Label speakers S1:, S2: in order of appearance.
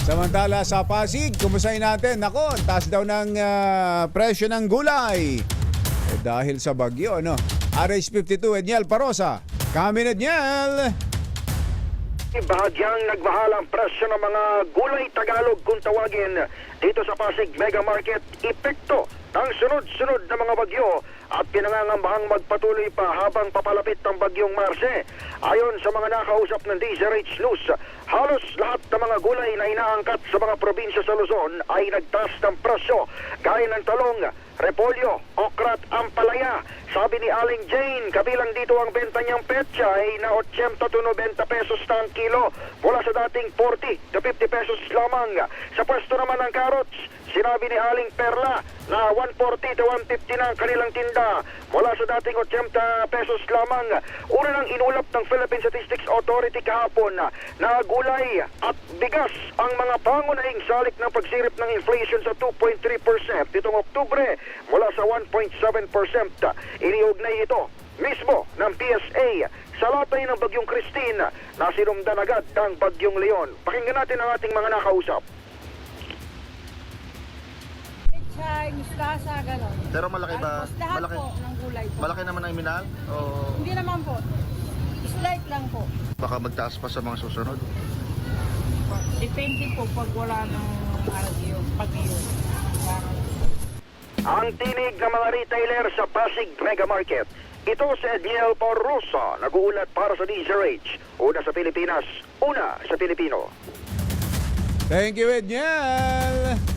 S1: Samantala sa Pasig, kumustahin natin? Nako, taas daw ng presyo ng gulay. Dahil sa bagyo, no? RH52, Edniel Parosa. Kami, Edniel!
S2: Bahagyang nagmahal ang presyo ng mga gulay Tagalog kung tawagin dito sa Pasig Mega Market. Epekto ng sunod-sunod na mga bagyo at pinangangambahang magpatuloy pa habang papalapit ng bagyong Marse. Ayon sa mga nakausap ng DZRH News, halos lahat ng mga gulay na inaangkat sa mga probinsya sa Luzon ay nagtaas ng presyo, gaya ng talong, repolyo, okra at ampalaya. Sabi ni Aling Jane, kabilang dito ang benta niyang petchay na 80 to 90 pesos na ang kilo mula sa dating 40 to 50 pesos lamang. Sa pwesto naman ng carrots, sinabi ni Aling Perla na 140 to 150 na ang kanilang tinda mula sa dating 80 pesos lamang. Una nang inulap ng Philippine Statistics Authority kahapon na gulay at bigas ang mga pangunahing salik ng pagsirip ng inflation sa 2.3% itong Oktubre mula sa 1.7%. Iniugnay ito mismo ng PSA sa latay ng Bagyong Christine na sinumdan agad ng Bagyong Leon. Pakinggan natin ang ating mga nakausap.
S3: Chay, mustasa, gano'n.
S4: Pero malaki ba?
S3: Tapos lahat
S4: Malaki,
S3: po ng gulay po.
S4: malaki naman ang minahal? O
S3: Hindi naman po. Slight lang po.
S4: baka magtaas pa sa mga susunod?
S3: Depende po pag wala ng pag-iyo.
S2: Ang tinig ng mga retailer sa Pasig Mega Market. Ito si Edniel Parosa, nag-uulat para sa DZRH. Una sa Pilipinas, una sa Pilipino.
S1: Thank you, Edniel!